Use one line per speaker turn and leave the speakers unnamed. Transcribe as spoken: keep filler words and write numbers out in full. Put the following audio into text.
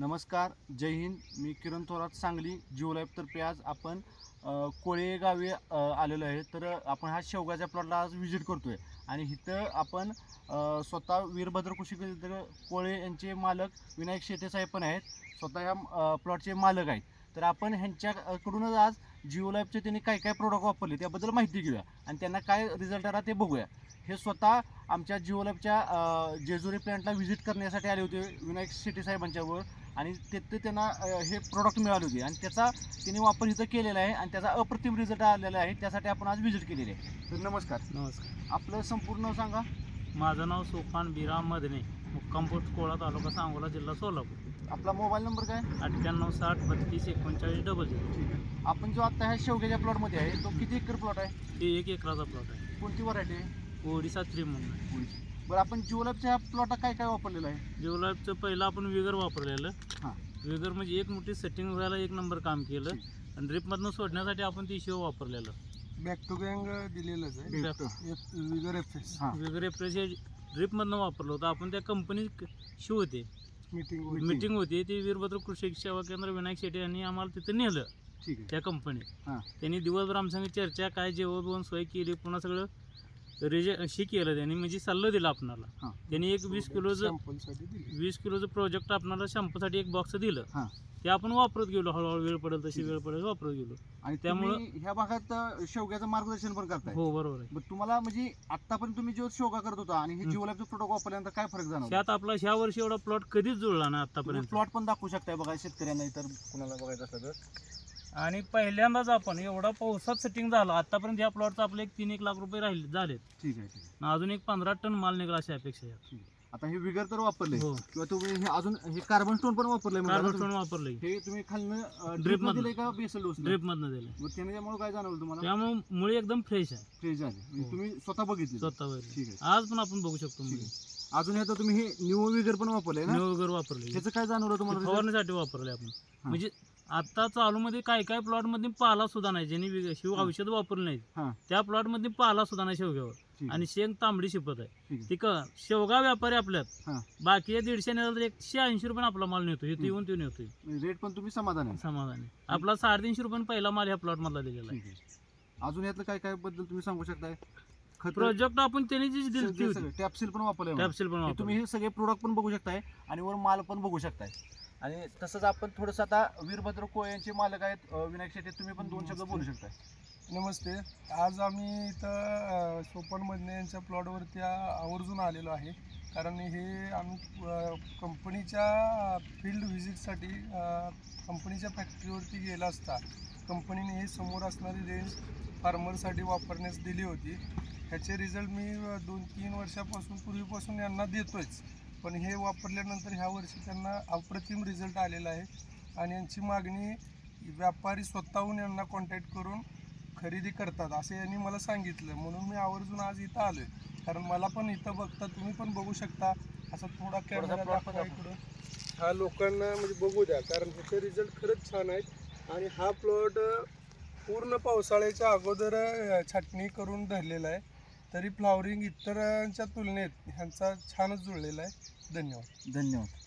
नमस्कार, जय हिंद. मी किरण थोरात, सांगली. जिओ लाईफतर्फे आज आपण अ, कोळे गावी अ, आलेलो आहे. तर आपण हा शेवगाच्या प्लॉटला आज व्हिजिट करतोय आणि इथं आपण अ, स्वतः वीरभद्र कृषी केंद्र कोळे यांचे मालक विनायक शेटे साहेब पण आहेत. स्वतः ह्या अ, प्लॉटचे मालक आहेत. तर आपण ह्यांच्याकडूनच आज जिओ लाईफचे त्यांनी काय काय प्रोडक्ट वापरले त्याबद्दल माहिती घेऊया आणि त्यांना काय रिझल्ट आला ते बघूया. हे स्वतः आमच्या जिओ लाईफच्या अ, जेजुरी प्लॅन्टला व्हिजिट करण्यासाठी आले होते विनायक शेटे साहेबांच्यावर आणि तिथे त्यांना अ, हे प्रोडक्ट मिळाले होते आणि त्याचा त्यांनी वापर इथं केलेला आहे आणि त्याचा अप्रतिम रिझल्ट आलेला आहे. त्यासाठी आपण आज व्हिजिट केलेली आहे. तर नमस्कार.
नमस्कार.
आपलं संपूर्ण नाव सांगा.
माझं नाव सोपान बिराम मदने, मुक्काम पोस्ट कोळा, तालुका सांगोला, जिल्हा सोलापूर.
आपला मोबाईल नंबर काय?
अठ्ठ्याण्णव साठ बत्तीस एकोणचाळीस डबल झिरो.
ठीक आहे. आपण जो आता ह्या शेवग्याच्या प्लॉटमध्ये आहे तो किती एकर प्लॉट आहे?
हे एक एकराचा प्लॉट आहे.
कोणती व्हरायटी आहे?
ओडिसा थ्री म्हणून आहे.
बरं, आपण जिओ लाईफच्या प्लॉटला काय काय वापरलेलं आहे?
जिओलाईफचं पहिलं आपण विगर वापरलेलं.
हां.
विगर म्हणजे एक मोठी सेटिंग व्हायला एक नंबर काम केलं
ठीक.
आणि ड्रिपमधनं सोडण्यासाठी आपण ती शिव वापरलेलं.
बॅक टू गँग दिलेलंच आहे.
भेटतो.
विगर एफ एस
हां.
विगर एप्रेस हे ड्रिपमधनं वापरलं होतं आपण. त्या कंपनी शिव होते,
मीटिंग
Meeting.
मीटिंग होती. ती वीरभद्र कृषी सेवा केंद्र विनायक शेटे यांनी आम्हाला तिथं नेलं.
ठीक आहे.
त्या कंपनीत
हां.
त्यांनी दिवसभर आमच्यासंग चर्चा, काय जेवण बिवण सोय केली, पुन्हा सगळं रिजे शी केलं त्यांनी, म्हणजे सल्ला दिला आपणाला.
हां.
त्यांनी एक वीस किलोचं
सॅम्पलसाठी दिली.
वीस किलोचं प्रोजेक्ट आपणाला शॅम्पूसाठी एक बॉक्स दिलं.
हां.
ते आपण वापरत गेलो, हळूहळू वेळ पडेल तशी
ठीक आहे.
वेळ पडेल वापरत गेलो.
आणि
त्यामुळं-
त्यामुळे ह्या भागात अ, शेवग्याचं मार्गदर्शन पण करताय.
हो बरोबर आहे.
बरं, तुम्हाला म्हणजे आतापर्यंत तुम्ही जो शेवगा करत होता आणि हे
हं.
जिओ लाईफचं प्रोडक्ट वापरल्यानंतर काय फरक जाणवला?
त्यात आपला ह्या वर्षी एवढा प्लॉट कधीच जुळला नाही
तुम्ही
आतापर्यंत.
प्लॉट पण दाखवू शकताय बघा शेतकऱ्यांना, इतर कुणाला बघायचं असलं तर.
आणि पहिल्यांदाच आपण एवढा पावसात सेटिंग झालं. आतापर्यंत या प्लॉटचा आपले एक तीन एक लाख रुपये राहिले झालेत.
ठीक आहे, ठीक आहे,
आणि अजून एक पंधरा टन माल निघाला अशी अपेक्षा आहे.
ठीक आहे. आता हे विगर तर वापरले
हो.
किंवा तुम्ही हे अजून हे कार्बन स्टोन पण वापरलंय म्हणजे
कार्बन
आता
स्टोन वापरलंय,
तुम्ही- हे तुम्ही खालनं
Drip
ड्रिप
मधनं.
दिले का बेसल डोस?
ड्रिप मधनं दिलं.
मग त्याने त्यामुळे काय जाणवलं तुम्हाला?
त्यामुळे मुळे एकदम फ्रेश आहे.
फ्रेश झाले म्हणजे
हो.
तुम्ही स्वतः बघितले?
स्वतः वगैरे.
ठीक आहे,
आज पण आपण बघू शकतो.
ठीक
मुळे
आहे. अजून हे तर तुम्ही हे न्यू विगर पण वापरले ना?
वगैरे वापरले,
त्याचं काय जाणवलं तुम्हाला result?
फवारण्यासाठी वापरले आपण. म्हणजे आता चालू मध्ये काय काय प्लॉट मध्ये पाला सुद्धा नाही, ज्यांनी वेग- शिव
हां.
औषध वापरले नाहीत
हां.
त्या प्लॉट मध्ये पाला सुद्धा नाही शेवग्यावर.
ठीक आहे,
आणि शेंग तांबडी शिपत आहे.
ठीक आहे.
ती क शेवगा व्यापारी आपल्यात
हां.
बाकी दीडशे नेला तर एकशे ऐंशी रुपये आपला माल नेतो. इथे येऊन तो नेतोय
म्हणजे रेट पण तुम्ही समाधान आहे?
समाधानी. आपला साडेतीनशे रुपये पहिला माल ह्या प्लॉट मधला दिलेला आहे.
ठीक आहे. अजून यातलं काय काय बद्दल तुम्ही सांगू शकताय? खत
प्रोजेक्ट आपण त्यांनी जी दिली ती होती,
टॅपसील पण वापरले?
कॅप्सूल पण
हे
वापरले.
तुम्ही हे सगळे प्रोडक्ट पण बघू शकताय आणि वर माल पण बघू शकताय. आणि तसंच आपण थोडंसं आता वीरभद्र कोळे यांचे मालक आहेत अ, विनायक शेटे, तुम्ही पण दोन शब्द बोलू शकताय.
नमस्ते. आज आम्ही इथं सोपन मधने यांच्या प्लॉटवरती आवर्जून आलेलो आहे. कारण हे आम्ही अ, कंपनीच्या फील्ड व्हिजिटसाठी कंपनीच्या फॅक्टरीवरती गेला असता कंपनीने हे समोर असणारी रेंज फार्मरसाठी वापरण्यास दिली होती. ह्याचे रिझल्ट मी अ, दोन तीन वर्षापासून पूर्वीपासून यांना देतोच, पण हे वापरल्यानंतर ह्या वर्षी त्यांना अप्रतिम रिझल्ट आलेला आहे. आणि यांची मागणी व्यापारी स्वतःहून यांना कॉन्टॅक्ट करून खरेदी करतात असं यांनी मला सांगितलं. म्हणून मी आवर्जून आज इथं आलो आहे. कारण मला पण इथं बघता, तुम्ही पण बघू शकता, असा थोडा कॅमेरा
plot
दाखवा
दाखवा.
इकडं. हा लोकांना म्हणजे बघू द्या, कारण ह्याचे रिझल्ट खरंच छान आहेत. आणि हा प्लॉट पूर्ण पावसाळ्याच्या अगोदर अ, छाटणी करून धरलेला आहे. तरी फ्लॉवरिंग इतरांच्या तुलनेत ह्यांचा छानच जुळलेला आहे. धन्यवाद.
धन्यवाद.